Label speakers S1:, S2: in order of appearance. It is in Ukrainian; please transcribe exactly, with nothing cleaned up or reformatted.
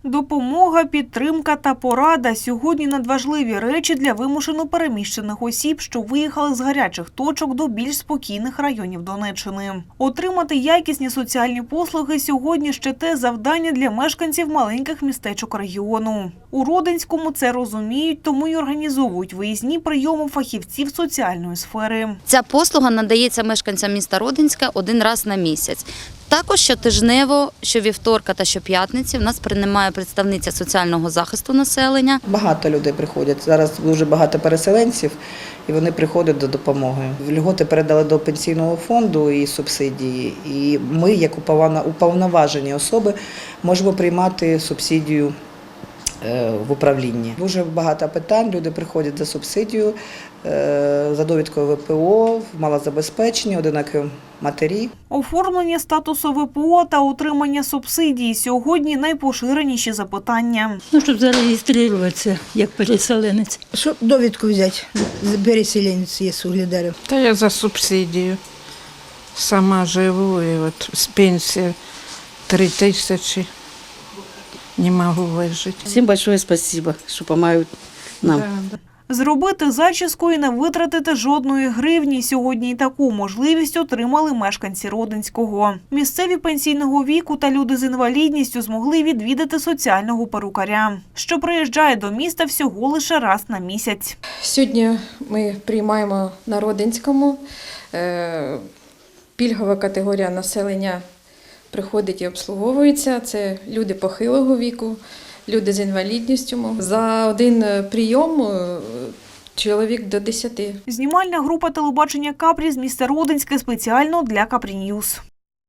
S1: Допомога, підтримка та порада – сьогодні надважливі речі для вимушено переміщених осіб, що виїхали з гарячих точок до більш спокійних районів Донеччини. Отримати якісні соціальні послуги сьогодні ще те завдання для мешканців маленьких містечок регіону. У Родинському це розуміють, тому й організовують виїзні прийоми фахівців соціальної сфери.
S2: Ця послуга надається мешканцям міста Родинська один раз на місяць. Також щотижнево, щовівторка та щоп'ятниці в нас приймає представниця соціального захисту населення.
S3: Багато людей приходять. Зараз дуже багато переселенців, і вони приходять до допомоги. Льготи передали до пенсійного фонду і субсидії. І ми, як уповноважені особи, можемо приймати субсидію в управлінні. Дуже багато питань, люди приходять за субсидію, за довідкою В П О, малозабезпечені, одинокі матері.
S1: Оформлення статусу В П О та отримання субсидій – сьогодні найпоширеніші запитання.
S4: Ну, щоб зареєструватися як переселенець.
S5: Щоб довідку взяти, переселенець є Угледарів.
S6: Та я за субсидію. Сама живу і от з пенсії три тисячі. Не можу вижити.
S7: Всім большое спасибо, що допомагають нам.
S1: Зробити зачіску і не витратити жодної гривні. Сьогодні і таку можливість отримали мешканці Родинського. Місцеві пенсійного віку та люди з інвалідністю змогли відвідати соціального перукаря, що приїжджає до міста всього лише раз на місяць.
S8: Сьогодні ми приймаємо на Родинському. Пільгова категорія населення приходить і обслуговується. Це люди похилого віку, люди з інвалідністю. За один прийом чоловік до десяти.
S1: Знімальна група телебачення «Капрі» з міста Родинське спеціально для «Капрі Ньюс».